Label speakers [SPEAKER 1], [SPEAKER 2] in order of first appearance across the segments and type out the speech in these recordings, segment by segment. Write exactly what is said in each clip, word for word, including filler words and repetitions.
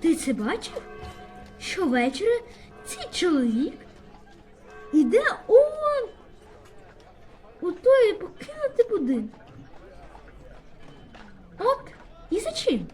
[SPEAKER 1] Ти це бачив? Щовечора цей чоловік іде он у той покинутий будинок. От, і за чим?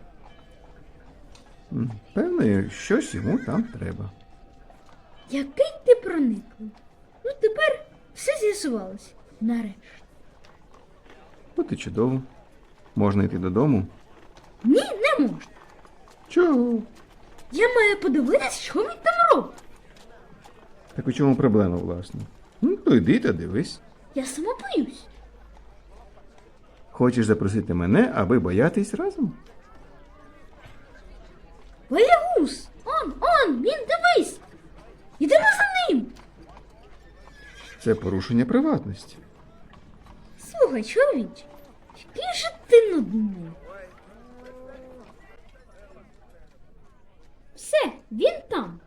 [SPEAKER 2] М, Певно, щось йому там треба.
[SPEAKER 1] Який ти прониклий. Ну, тепер все з'ясувалося. Нарешті.
[SPEAKER 2] От і чудово. Можна йти додому.
[SPEAKER 1] Ні, не можна.
[SPEAKER 2] Чого?
[SPEAKER 1] Я маю подивитися, що він там робить.
[SPEAKER 2] Так у чому проблема, власне? Ну, то йди та дивись.
[SPEAKER 1] Я сама боюсь.
[SPEAKER 2] Хочеш запросити мене, аби боятись разом?
[SPEAKER 1] Боягуз! Он, он, він, дивись! Ідемо за ним!
[SPEAKER 2] Це порушення приватності.
[SPEAKER 1] Слухай, чоловіче, який же ти нудний. Все, він там.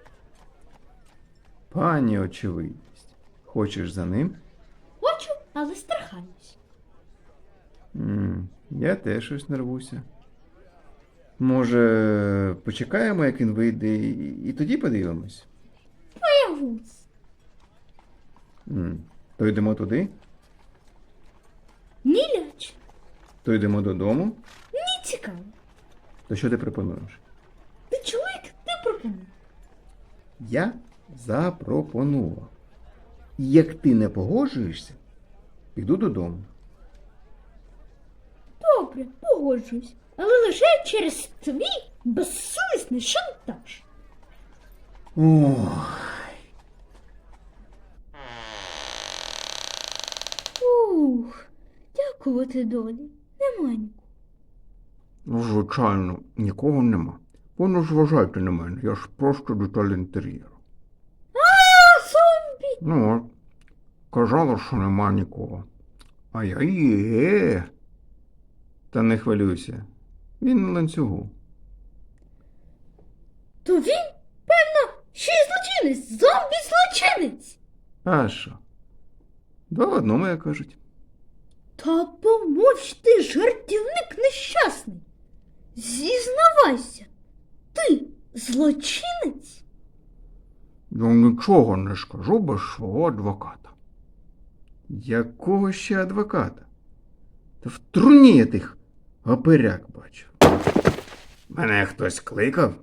[SPEAKER 2] Пані очевидність. Хочеш за ним?
[SPEAKER 1] Хочу, але страхаюсь.
[SPEAKER 2] М, Я теж щось нервуся. Може, почекаємо, як він вийде, і, і тоді подивимось?
[SPEAKER 1] Боягуз.
[SPEAKER 2] М, То йдемо туди,
[SPEAKER 1] Ні ляч.
[SPEAKER 2] то йдемо додому.
[SPEAKER 1] Ні цікаво.
[SPEAKER 2] То що ти пропонуєш?
[SPEAKER 1] Ти чоловік, ти пропонуй.
[SPEAKER 2] Я запропонував. І як ти не погоджуєшся, піду додому.
[SPEAKER 1] Добре, погоджуюсь. Але лише через твій безсовісний шантаж.
[SPEAKER 2] Ох.
[SPEAKER 1] Ух, дякувати долі. Нема нікого.
[SPEAKER 2] Ну, звичайно, нікого нема. Ви не зважайте на мене, я ж просто деталь інтер'єру.
[SPEAKER 1] А, зомбі!
[SPEAKER 2] Ну от, казала, що нема нікого. А я є. Та не хвилюйся. Він на ланцюгу.
[SPEAKER 1] То він, певно, ще й злочинець, зомбі-злочинець.
[SPEAKER 2] А що? Два в одному, як кажуть.
[SPEAKER 1] Та помовч ти, жартівник нещасний. Зізнавайся, ти злочинець?
[SPEAKER 2] Я нічого не скажу без свого адвоката. Якого ще адвоката? Та в труні я тих оперяк бачив. Мене хтось кликав?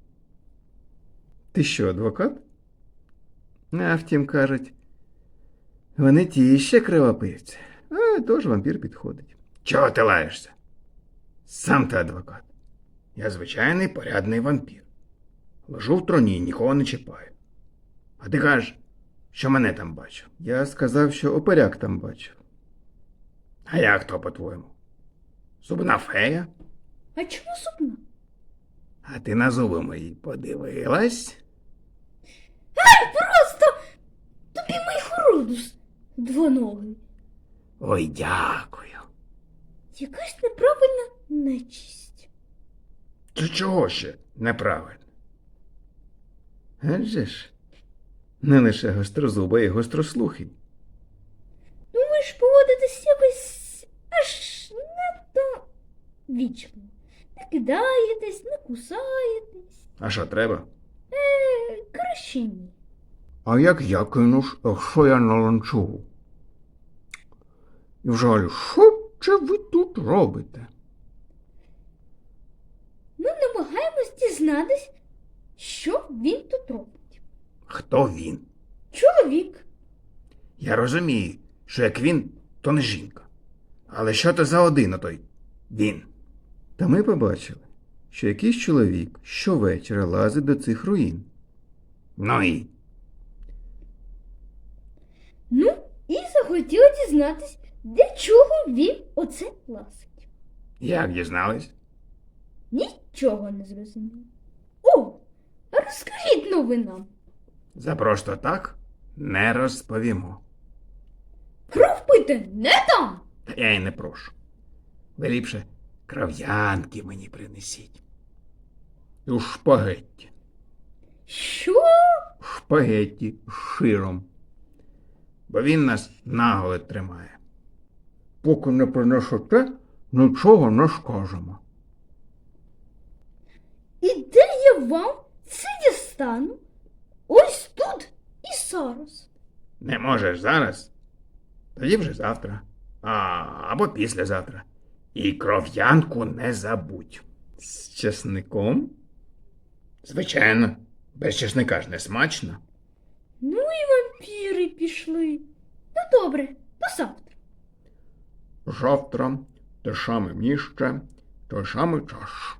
[SPEAKER 2] Ти що, адвокат? А втім, кажуть, вони ті ще кривопивці. А тож вампір підходить. Чого ти лаєшся? Сам ти адвокат. Я звичайний порядний вампір. Лежу в троні, нікого не чіпаю. А ти кажеш, що мене там бачив. Я сказав, що оперяк там бачив. А як то, по-твоєму? Зубна фея?
[SPEAKER 1] А чому сумно?
[SPEAKER 2] А ти на зуби мої подивилась?
[SPEAKER 1] Ай, просто тобі мій хородус двоногий.
[SPEAKER 2] Ой, дякую.
[SPEAKER 1] Якась неправильна нечисть.
[SPEAKER 2] Чи чого ще неправильно? Адже ж, не лише гострозуба і гострослухий.
[SPEAKER 1] Ну ви ж поводитесь якось аж надто вічно. Не кидаєтесь, не кусаєтесь.
[SPEAKER 2] А що треба?
[SPEAKER 1] Е, краще ні.
[SPEAKER 2] А як я кинуш, якщо я на ланцюгу? І взагалі, що це ви тут робите?
[SPEAKER 1] Ми намагаємось дізнатись, що він тут робить.
[SPEAKER 2] Хто він?
[SPEAKER 1] Чоловік.
[SPEAKER 2] Я розумію, що як він, то не жінка. Але що то за один отой він? Та ми побачили, що якийсь чоловік щовечора лазить до цих руїн. Ну і?
[SPEAKER 1] Ну, і захотіла дізнатись, для чого він оце ласить.
[SPEAKER 2] Як дізнались?
[SPEAKER 1] Нічого не зрозуміло. О, а розкажіть новинам.
[SPEAKER 2] За просто так не розповімо.
[SPEAKER 1] Кров пити не дам.
[SPEAKER 2] Та я й не прошу. Ви ліпше кров'янки мені принесіть. І у шпагетті.
[SPEAKER 1] Що?
[SPEAKER 2] Шпагетті з широм. Бо він нас наголод тримає. Поки не принесете, нічого не скажемо.
[SPEAKER 1] І де вам це дістану ось тут і зараз.
[SPEAKER 2] Не можеш зараз? Тоді вже завтра. А, або післязавтра. І кров'янку не забудь. З чесником? Звичайно, без чесника ж не смачно.
[SPEAKER 1] Ну і вампіри пішли. Ну добре, до завтра.
[SPEAKER 2] Завтра те саме місце, той самий час.